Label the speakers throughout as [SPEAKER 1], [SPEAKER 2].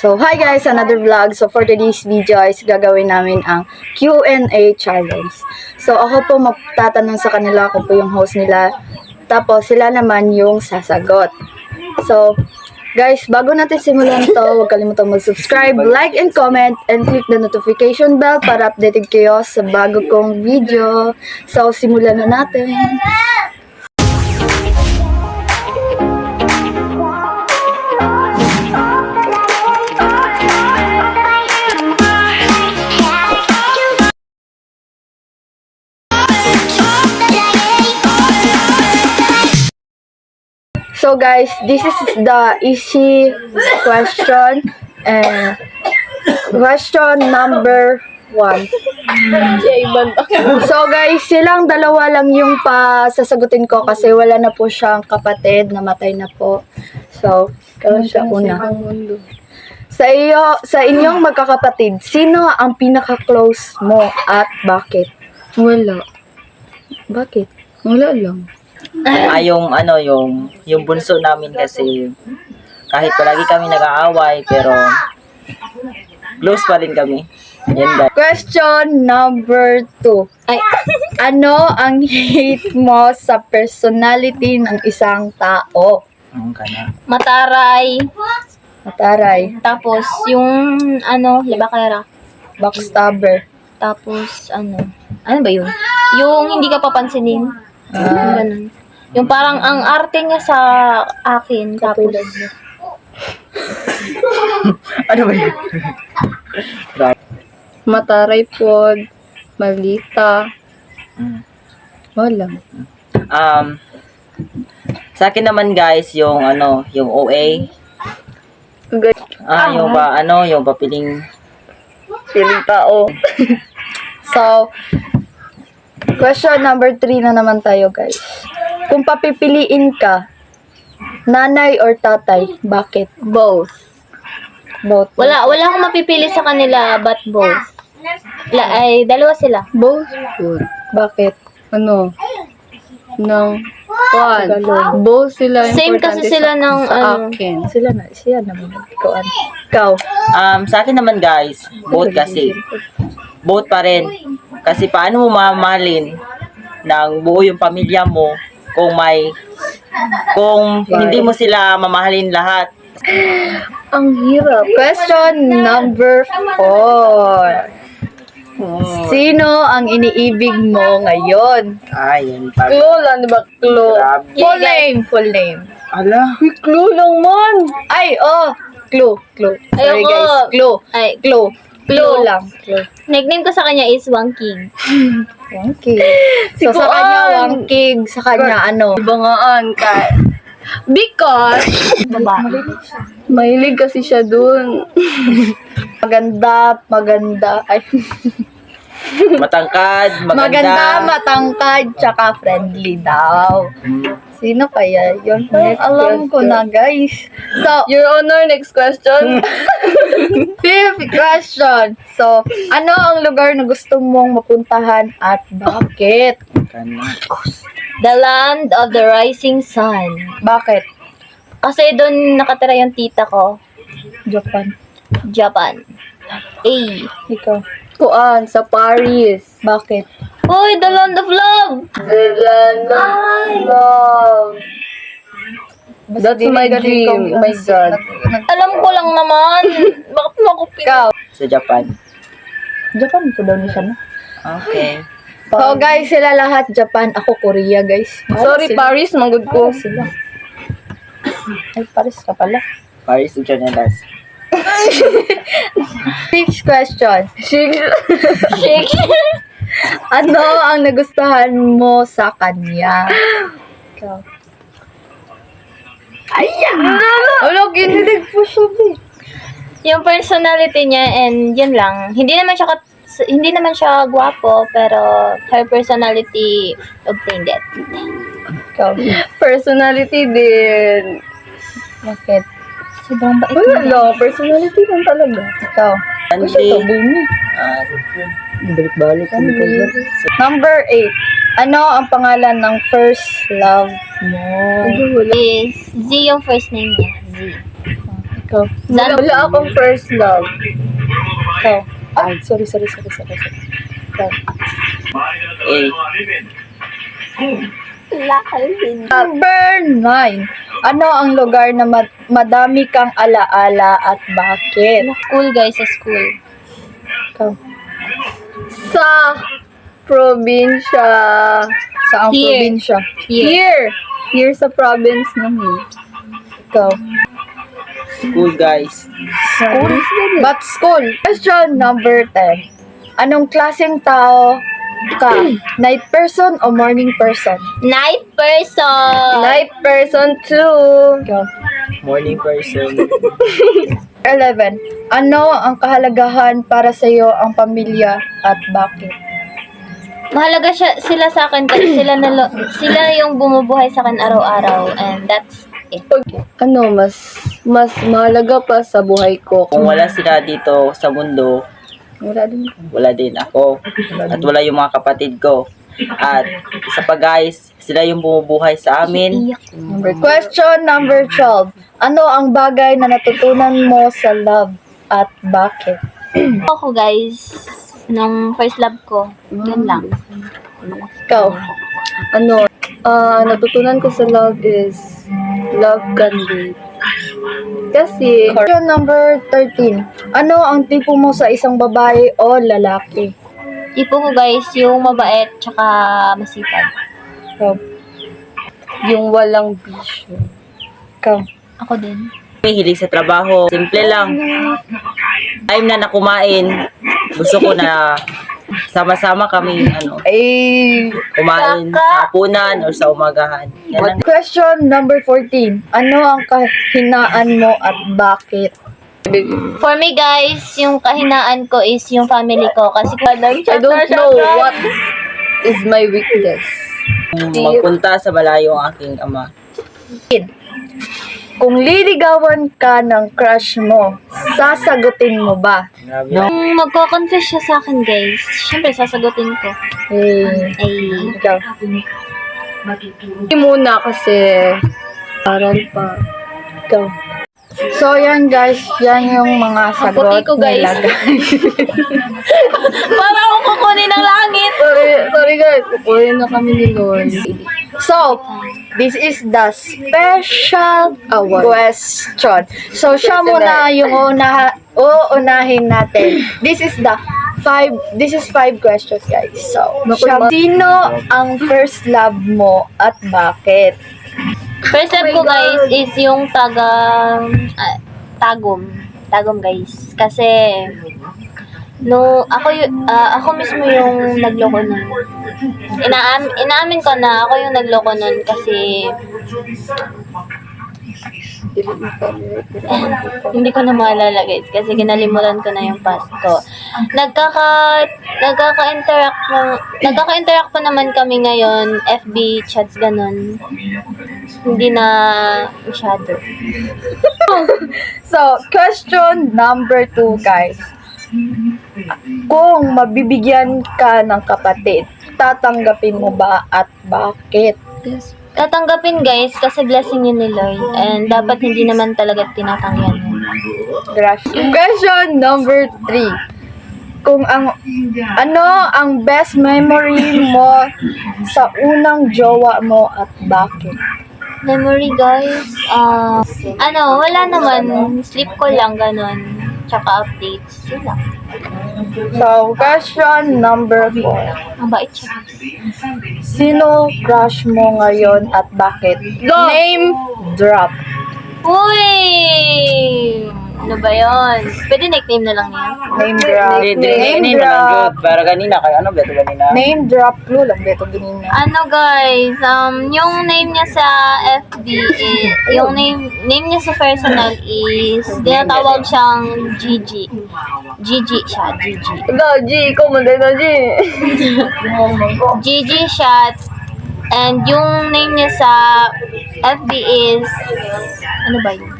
[SPEAKER 1] So, hi guys! Another vlog. So, for today's video is gagawin namin ang Q&A challenge. So, ako po magtatanong sa kanila, ako po yung host nila. Tapos, sila naman yung sasagot. So, guys, bago natin simulan to, huwag kalimutang mag-subscribe, like, and comment, and click the notification bell para updated kayo sa bago kong video. So, simulan na natin. So guys, this is the easy question. And question number 1. So guys, silang dalawa lang yung sasagutin ko kasi wala na po siyang kapatid, namatay na po. So, ikaw siya una. Sa inyong magkakapatid, sino ang pinaka-close mo at bakit?
[SPEAKER 2] Wala.
[SPEAKER 1] Bakit?
[SPEAKER 2] Wala lang.
[SPEAKER 3] Yung bunso namin kasi kahit palagi kami nag-aaway pero close pa rin kami. Yan guys.
[SPEAKER 1] Question number 2. Ano ang hate mo sa personality ng isang tao?
[SPEAKER 2] Mataray.
[SPEAKER 1] Mataray.
[SPEAKER 2] Tapos, yung, labakera.
[SPEAKER 1] Backstabber.
[SPEAKER 2] Tapos, ano ba yun? Yung hindi ka papansinin. Ganun. Yung parang ang arte niya sa akin. Tapos,
[SPEAKER 3] Ano ba yun?
[SPEAKER 1] Mataray po. Malita. Wala.
[SPEAKER 3] Sa akin naman guys, yung OA. Yung piling tao.
[SPEAKER 1] So, question number 3 na naman tayo guys. Kung papipiliin ka, nanay or tatay, bakit?
[SPEAKER 2] both.
[SPEAKER 1] Both.
[SPEAKER 2] Wala akong mapipili sa kanila, but both. Dalawa sila.
[SPEAKER 1] Both? Bakit?
[SPEAKER 4] One.
[SPEAKER 1] Tagalog.
[SPEAKER 4] Both sila
[SPEAKER 2] Same
[SPEAKER 4] importante
[SPEAKER 2] kasi sila ng,
[SPEAKER 4] akin.
[SPEAKER 1] Siya naman. Ikaw.
[SPEAKER 3] Sa akin naman guys, both kasi. Both pa rin. Kasi paano mo mamahalin ng buo yung pamilya mo kung hindi mo sila mamahalin lahat.
[SPEAKER 1] Ang hirap. Question number 4. Sino ang iniibig mo ngayon?
[SPEAKER 3] Yan.
[SPEAKER 1] Clue lang, di ba? Clue.
[SPEAKER 3] Grabe.
[SPEAKER 1] Full name.
[SPEAKER 3] Ala.
[SPEAKER 1] Clue lang man. Clue. Sorry
[SPEAKER 2] Ayoko.
[SPEAKER 1] guys. Clue. Clue lang.
[SPEAKER 2] Nickname ko sa kanya is Wangking.
[SPEAKER 1] Wangkig. So, sa kanya, Wangkig. Sa kanya,
[SPEAKER 4] Bangaan ka. Because, mahilig kasi siya dun.
[SPEAKER 1] Maganda. Ay,
[SPEAKER 3] Matangkad,
[SPEAKER 1] maganda, matangkad, tsaka friendly daw. Sino kaya yun? Alam ko na, guys. So,
[SPEAKER 4] Your Honor, next question.
[SPEAKER 1] fifth question. So, ano ang lugar na gusto mong mapuntahan at bakit?
[SPEAKER 2] The land of the rising sun.
[SPEAKER 1] Bakit?
[SPEAKER 2] Kasi doon nakatira yung tita ko. Japan.
[SPEAKER 1] Ikaw.
[SPEAKER 4] Kuan, sa Paris.
[SPEAKER 1] Bakit?
[SPEAKER 2] Uy, the land of love!
[SPEAKER 4] That's my dream. Oh my God.
[SPEAKER 2] Alam ko lang naman. Bakit mo ako
[SPEAKER 1] Ikaw.
[SPEAKER 3] Sa Japan.
[SPEAKER 1] Japan po daw niya siya, no?
[SPEAKER 3] Okay.
[SPEAKER 1] So, guys, sila lahat Japan. Ako, Korea, guys.
[SPEAKER 4] Sorry, Paris, manggod ko.
[SPEAKER 1] Sila. Ay, Paris ka pala.
[SPEAKER 3] Paris Journalers.
[SPEAKER 1] Sixth question.
[SPEAKER 2] shake?
[SPEAKER 1] Ano ang nagustuhan mo sa kanya? Ikaw. Wala, ginilig po siya,
[SPEAKER 2] Yung personality niya and yun lang. Hindi naman siya gwapo, pero her personality obtained it.
[SPEAKER 1] Ikaw.
[SPEAKER 4] Personality din.
[SPEAKER 1] Bakit? Sobrang bait
[SPEAKER 4] Wala
[SPEAKER 1] niya.
[SPEAKER 4] lang, personality lang talaga.
[SPEAKER 1] Ikaw.
[SPEAKER 3] Andy.
[SPEAKER 1] Bumi.
[SPEAKER 3] Balik-balik.
[SPEAKER 1] Number 8. Ano ang pangalan ng first love mo?
[SPEAKER 2] Is Z yung first name niya. Z.
[SPEAKER 1] Ikaw.
[SPEAKER 4] Wala akong first love.
[SPEAKER 1] Ikaw. Ay, sorry. Ikaw. Number 9. Ano ang lugar na madami kang alaala at bakit?
[SPEAKER 2] School guys, sa school.
[SPEAKER 1] Ikaw.
[SPEAKER 4] Sa probinsya.
[SPEAKER 1] Sa ang
[SPEAKER 2] Here.
[SPEAKER 1] probinsya.
[SPEAKER 2] Here.
[SPEAKER 4] Here sa province namin.
[SPEAKER 1] Ikaw.
[SPEAKER 3] School, guys.
[SPEAKER 1] School? But school. Question number 10. Anong klaseng tao ka? Night person o morning person?
[SPEAKER 2] Night person.
[SPEAKER 4] Night person too.
[SPEAKER 1] Ikaw.
[SPEAKER 3] Morning person.
[SPEAKER 1] 11. Ano ang kahalagahan para sa iyo ang pamilya at bakit?
[SPEAKER 2] Mahalaga sila sa akin kasi sila yung bumubuhay sa akin araw-araw, and that's it.
[SPEAKER 4] Ano, mas mahalaga pa sa buhay ko.
[SPEAKER 3] Kung wala sila dito sa mundo,
[SPEAKER 1] Wala din.
[SPEAKER 3] wala din ako. At wala yung mga kapatid ko. At isa pa guys, sila yung bumubuhay sa amin.
[SPEAKER 1] Question number 12. Ano ang bagay na natutunan mo sa love at bakit?
[SPEAKER 2] Ako guys, nung first love ko, yun lang.
[SPEAKER 1] Ikaw.
[SPEAKER 4] Ano, natutunan ko sa love is love can wait. Kasi,
[SPEAKER 1] Question number 13. Ano ang tipo mo sa isang babae o lalaki?
[SPEAKER 2] Tipo ko guys, yung mabait tsaka masipag.
[SPEAKER 1] Ikaw.
[SPEAKER 4] yung walang bisyo.
[SPEAKER 1] Ikaw.
[SPEAKER 2] Ako din.
[SPEAKER 3] May hilig sa trabaho. Simple lang. Time na nakumain, gusto ko na sama-sama kami kumain sa hapunan or sa umagahan. Yan lang.
[SPEAKER 1] Question number 14. Ano ang kahinaan mo at bakit?
[SPEAKER 2] For me guys, yung kahinaan ko is yung family ko. Kasi
[SPEAKER 4] I don't know what is my weakness.
[SPEAKER 3] Magpunta sa malayo ang aking ama.
[SPEAKER 1] Kung liligawan ka ng crush mo, sasagutin mo ba?
[SPEAKER 3] Grabe.
[SPEAKER 2] Kung magko-confess siya sa akin guys, syempre sasagutin ko. Ay,
[SPEAKER 1] Ikaw.
[SPEAKER 4] Hindi muna kasi aral pa.
[SPEAKER 1] Ikaw. So, yan guys. Yan yung mga sagot
[SPEAKER 2] puti ko, guys.
[SPEAKER 1] nila, guys.
[SPEAKER 2] para akong kukunin ng langit.
[SPEAKER 4] Sorry guys, kukunin na kami ni Lord.
[SPEAKER 1] So, this is the special question. So, siya muna yung uunahin natin. This is 5 questions, guys. So, sino ang first love mo at bakit?
[SPEAKER 2] First love ko guys is yung Tagum. Tagum guys. Kasi ako mismo yung nagloko nun. Inaamin ko na ako yung nagloko nun kasi hindi ko na maalala guys kasi kinalimutan ko na yung past ko. Nagkaka-interact pa naman kami ngayon, FB chats ganun. Hindi na masyado.
[SPEAKER 1] So, question number 2, guys. Kung mabibigyan ka ng kapatid, tatanggapin mo ba at bakit?
[SPEAKER 2] Tatanggapin guys kasi blessing yun ni Lord and dapat hindi naman talaga tinatanggihan yun.
[SPEAKER 1] Question number 3. Ano ang best memory mo sa unang jowa mo at bakit?
[SPEAKER 2] Memory guys, wala naman, sleep ko lang ganun. Tsaka updates, yun lang.
[SPEAKER 1] So, question number 4.
[SPEAKER 2] Ang bait siya.
[SPEAKER 1] Sino crush mo ngayon at bakit? Name drop.
[SPEAKER 2] Uy! Ano ba yun? Pwede nickname na lang yan.
[SPEAKER 1] Name drop.
[SPEAKER 3] Name drop. Para kanina, kaya beto kanina?
[SPEAKER 1] Name drop clue lang beto ganina.
[SPEAKER 2] Ano guys, yung name niya sa FB yung name niya sa personal is, tinatawag siyang Gigi. Gigi siya, Gigi.
[SPEAKER 4] Ikaw, G, ikaw manday na G.
[SPEAKER 2] Gigi siya. And yung name niya sa FB is, ano ba yun?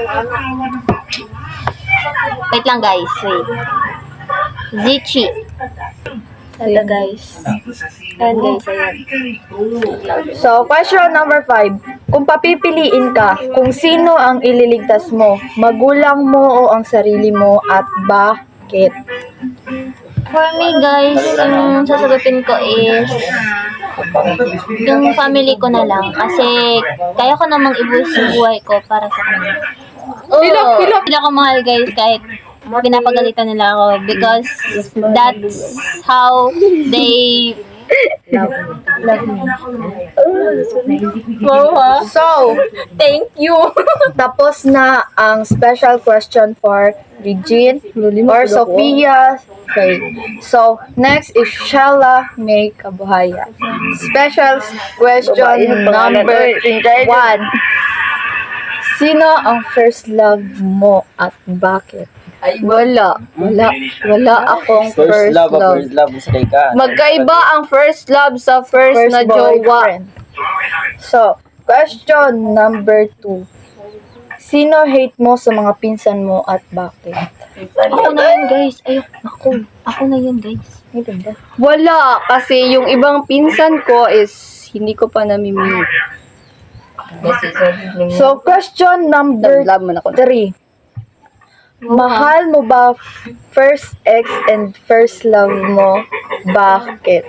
[SPEAKER 2] Wait lang guys, wait. Zichi. Ito guys. Ayan guys, ayan.
[SPEAKER 1] So, question number 5. Kung papipiliin ka, kung sino ang ililigtas mo, magulang mo o ang sarili mo at bakit?
[SPEAKER 2] For me guys, yung sasagutin ko is yung family ko na lang. Kasi kaya ko namang ibuhos yung buhay ko para sa kanila. Sila ko mahal guys kahit pinapagalitan nila ako because that's how they love me.
[SPEAKER 1] So,
[SPEAKER 2] Thank you.
[SPEAKER 1] tapos na ang special question for Regine or Sophia. Okay. So, next is Shella May Kabuhaya. Special question number 1. Sino ang first love mo at bakit?
[SPEAKER 4] Wala akong
[SPEAKER 3] First love,
[SPEAKER 4] love.
[SPEAKER 3] first love sa ka.
[SPEAKER 4] Magkaiba ang first love sa first na jowa.
[SPEAKER 1] boyfriend. So, question number 2. Sino hate mo sa mga pinsan mo at bakit?
[SPEAKER 2] Ako na yun guys. Ako na yun guys.
[SPEAKER 4] Wala, kasi yung ibang pinsan ko is hindi ko pa namimili.
[SPEAKER 1] So, question number
[SPEAKER 4] Love mo na ko.
[SPEAKER 1] 3. Mahal mo ba first ex and first love mo? Bakit?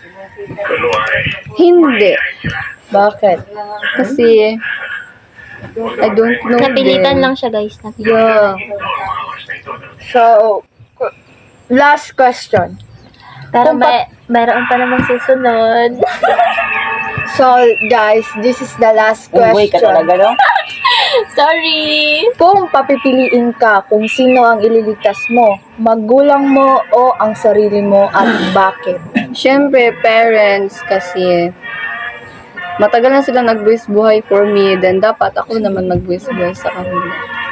[SPEAKER 4] Hindi.
[SPEAKER 1] Bakit?
[SPEAKER 4] Kasi I don't know.
[SPEAKER 2] Napilitan
[SPEAKER 4] them.
[SPEAKER 2] lang siya guys.
[SPEAKER 4] Yeah.
[SPEAKER 1] So, last question.
[SPEAKER 2] Pero mayroon pa namang susunod.
[SPEAKER 1] So, guys, this is the last
[SPEAKER 3] Uy, ka
[SPEAKER 1] question.
[SPEAKER 3] talaga, no?
[SPEAKER 2] Sorry.
[SPEAKER 1] Kung papipiliin ka kung sino ang ililigtas mo, magulang mo o ang sarili mo at bakit?
[SPEAKER 4] Siyempre, parents, kasi matagal na sila nagbuwis buhay for me, then dapat ako naman magbuwis buhay sa kanila.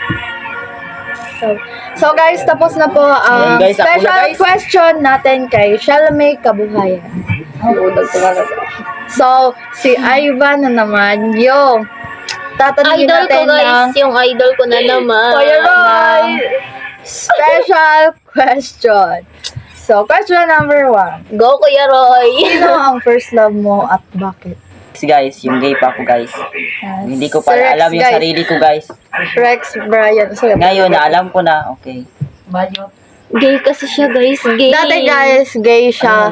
[SPEAKER 1] So guys, tapos na po ang
[SPEAKER 3] Ayun, guys, ako na,
[SPEAKER 1] special
[SPEAKER 3] guys.
[SPEAKER 1] question natin kay Shalomay Kabuhayan.
[SPEAKER 4] Udag ko na.
[SPEAKER 1] So, si Ivan na naman yung tatanungin
[SPEAKER 2] Idol ko
[SPEAKER 1] natin ng
[SPEAKER 2] guys. Yung idol ko na naman.
[SPEAKER 1] Kuya Roy! Special question. So, question number 1.
[SPEAKER 2] Go Kuya Roy.
[SPEAKER 1] Sino ang first love mo at bakit?
[SPEAKER 3] Guys, yung gay pa ako, guys. Hindi ko pa
[SPEAKER 1] Sir Rex,
[SPEAKER 3] alam yung
[SPEAKER 1] guys.
[SPEAKER 3] sarili ko, guys.
[SPEAKER 1] Rex Brian. Sorry.
[SPEAKER 3] Ngayon, naalam ko na. Okay.
[SPEAKER 2] Gay kasi siya guys. Gay.
[SPEAKER 1] Dati guys, gay siya.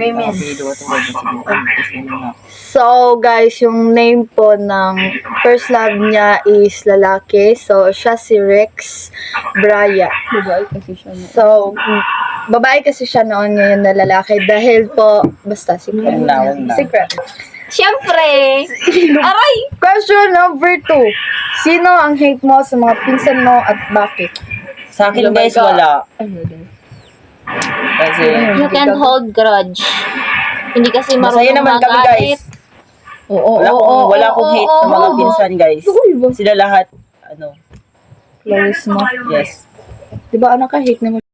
[SPEAKER 1] So guys, yung name po ng first love niya is lalaki. So siya si Rex Brian.
[SPEAKER 4] Babae kasi siya.
[SPEAKER 1] So babae kasi siya noon, ngayon na lalaki dahil po basta secret.
[SPEAKER 3] Wag na.
[SPEAKER 1] Secret.
[SPEAKER 2] Siyempre. Aray.
[SPEAKER 1] Question number 2. Sino ang hate mo sa mga pinsan mo at bakit?
[SPEAKER 3] Sa akin, guys, wala. Kasi,
[SPEAKER 2] You can't hold grudge. Hindi kasi
[SPEAKER 3] masaya
[SPEAKER 2] marunong
[SPEAKER 3] naman kami,
[SPEAKER 2] magalit.
[SPEAKER 3] guys. Wala akong hate sa mga pinsan, guys. Sila lahat,
[SPEAKER 1] Close mo.
[SPEAKER 3] yes.
[SPEAKER 1] Diba anak ka hate naman?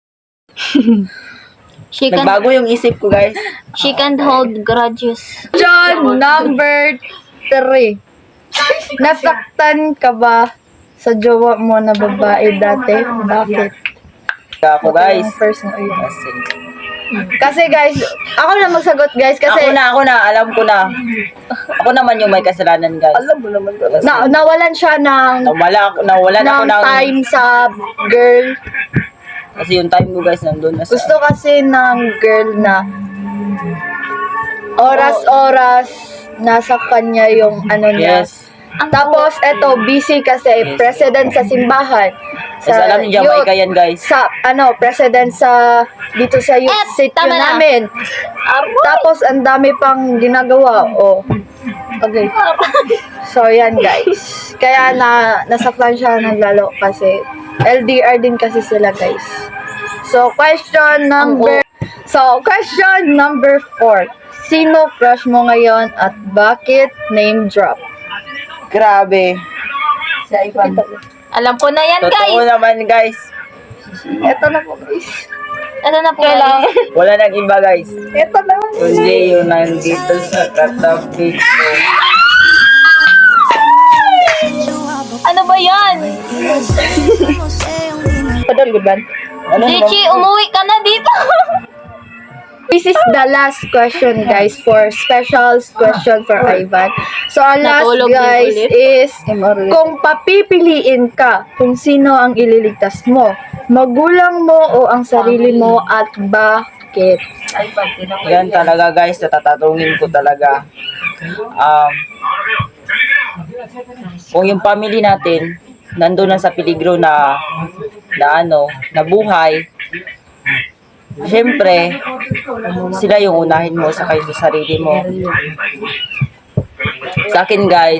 [SPEAKER 2] She can't,
[SPEAKER 3] Nagbago yung isip ko, guys.
[SPEAKER 2] she can't hold grudges.
[SPEAKER 1] Question number 3. Nasaktan ka ba sa jowa mo na babae dati? Bakit?
[SPEAKER 3] Ako, guys.
[SPEAKER 1] Yung first na ayun.
[SPEAKER 3] Kasi,
[SPEAKER 1] Kasi guys, ako na magsagot guys kasi
[SPEAKER 3] ako na, alam ko na. Ako naman yung may kasalanan, guys.
[SPEAKER 4] Alam mo naman talaga.
[SPEAKER 1] nawalan siya ng
[SPEAKER 3] Nawalan ako ng,
[SPEAKER 1] time sa girl.
[SPEAKER 3] kasi yung time ko, guys, nandun na sa,
[SPEAKER 1] Gusto kasi ng girl na oras-oras nasa kanya yung ano niya.
[SPEAKER 3] yes.
[SPEAKER 1] Tapos eto busy kasi
[SPEAKER 3] Yes.
[SPEAKER 1] president sa simbahan.
[SPEAKER 3] Kasi alam niyo, Jamaica yan, guys.
[SPEAKER 1] Sa president sa dito sa youth city
[SPEAKER 2] tama na.
[SPEAKER 1] namin. Tapos ang dami pang ginagawa. Oh. Okay. So yan guys. Kaya nasaktan siya ng lalo kasi LDR din kasi sila guys. So question number 4. Sino crush mo ngayon at bakit? Name drop.
[SPEAKER 3] Grabe.
[SPEAKER 2] Alam ko na yan
[SPEAKER 3] Totoo
[SPEAKER 2] guys.
[SPEAKER 3] naman, guys.
[SPEAKER 1] Ito na po guys.
[SPEAKER 2] Ano na po guys?
[SPEAKER 3] Wala nang iba, guys.
[SPEAKER 1] Ito na.
[SPEAKER 3] Kundi yung nandito sa katabi ko.
[SPEAKER 2] Ano ba yan?
[SPEAKER 1] Padal good man.
[SPEAKER 3] Ano naman?
[SPEAKER 2] Richie, umuwi ka na dito.
[SPEAKER 1] This is the last question, guys, for special question for Ivan. So, ang last,
[SPEAKER 2] Natulog din
[SPEAKER 1] guys,
[SPEAKER 2] ulit.
[SPEAKER 1] is kung papipiliin ka kung sino ang ililigtas mo, magulang mo o ang sarili mo at bakit?
[SPEAKER 3] Yan talaga guys, natatatungin ko talaga. Kung yung family natin, nandun na sa peligro na buhay, syempre, sila yung unahin mo sa kayo sa sarili mo. Sa akin guys,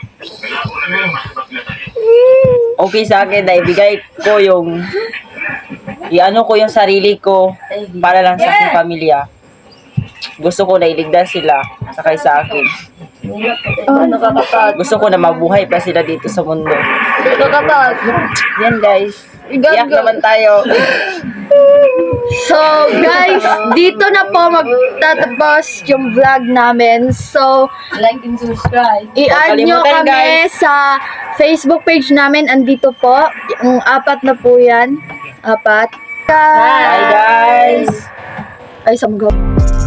[SPEAKER 3] okay sa akin na ibigay ko ko yung sarili ko para lang sa aking pamilya. Gusto ko na iligtas sila sakay sa akin. Gusto ko na mabuhay pa sila dito sa mundo. Yan guys. Iyak naman tayo.
[SPEAKER 1] So, guys, dito na po magtatapos yung vlog namin. So,
[SPEAKER 2] Like and subscribe.
[SPEAKER 1] i-add nyo
[SPEAKER 3] Kalimutan,
[SPEAKER 1] kami
[SPEAKER 3] guys.
[SPEAKER 1] sa Facebook page namin. Andito po. Yung 4 na po yan. 4.
[SPEAKER 3] Bye guys.
[SPEAKER 1] Ay, samgaw.